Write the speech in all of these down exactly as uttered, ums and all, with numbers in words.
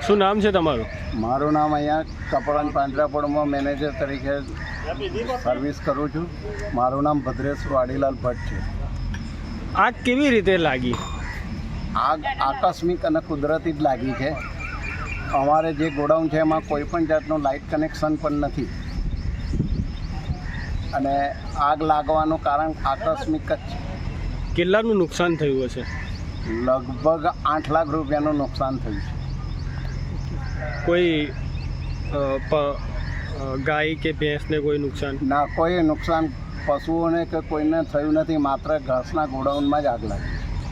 શું નામ છે તમારું? મારું નામ અહીંયા કપડાં પાંજરાપોળમાં મેનેજર તરીકે સર્વિસ કરું છું. મારું નામ ભદ્રેશ વાડીલાલ ભટ્ટ છે. આગ કેવી રીતે લાગી? આગ આકસ્મિક અને કુદરતી જ લાગી છે. અમારે જે ગોડાઉન છે એમાં કોઈ પણ જાતનું લાઇટ કનેક્શન પણ નથી અને આગ લાગવાનું કારણ આકસ્મિક જ છે. કેટલાનું નુકસાન થયું હશે? લગભગ આઠ લાખ રૂપિયાનું નુકસાન થયું છે. કોઈ અ, પ, અ, ગાય કે ભેંસને કોઈ નુકસાન? ના, કોઈ નુકસાન પશુઓને કે કોઈને થયું નથી. માત્ર ઘાસના ગોડાઉનમાં જ આગ લાગી.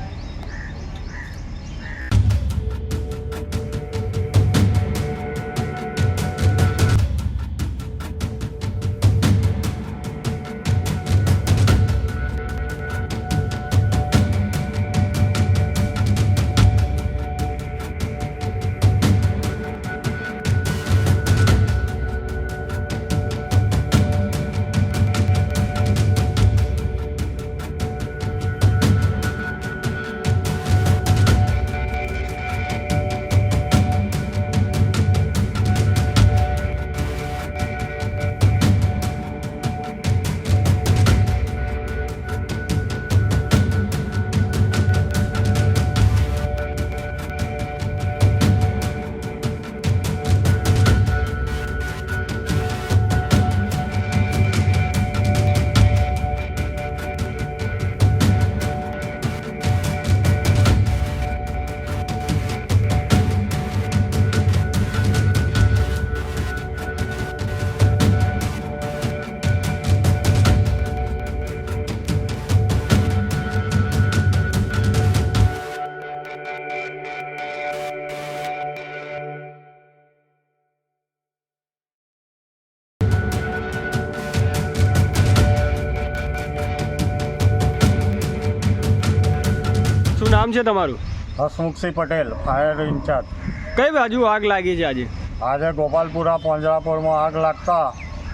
શું નામ છે તમારું? Hasmukhsinh Patel, fire incharge. કઈ બાજુ આગ લાગી છે આજે? આજે ગોપાલપુરા પાંજરાપોળમાં આગ લાગતા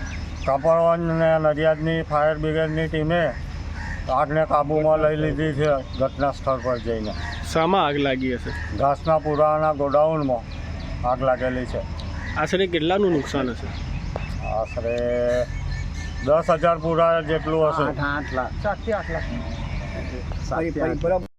કપડવંજ અને નડિયાદની ફાયર બ્રિગેડની ટીમે આગને કાબૂમાં લઈ લીધી છે ઘટના સ્થળ પર જઈને. શામાં આગ લાગી હશે? ઘાસના પૂરાના ગોડાઉનમાં આગ લાગેલી છે. આશરે કેટલાનું નુકસાન હશે? આશરે દસ હજાર પૂરા જેટલું હશે. આઠ આઠ લાખ સાતથી આઠ લાખ સાતથી આઠ.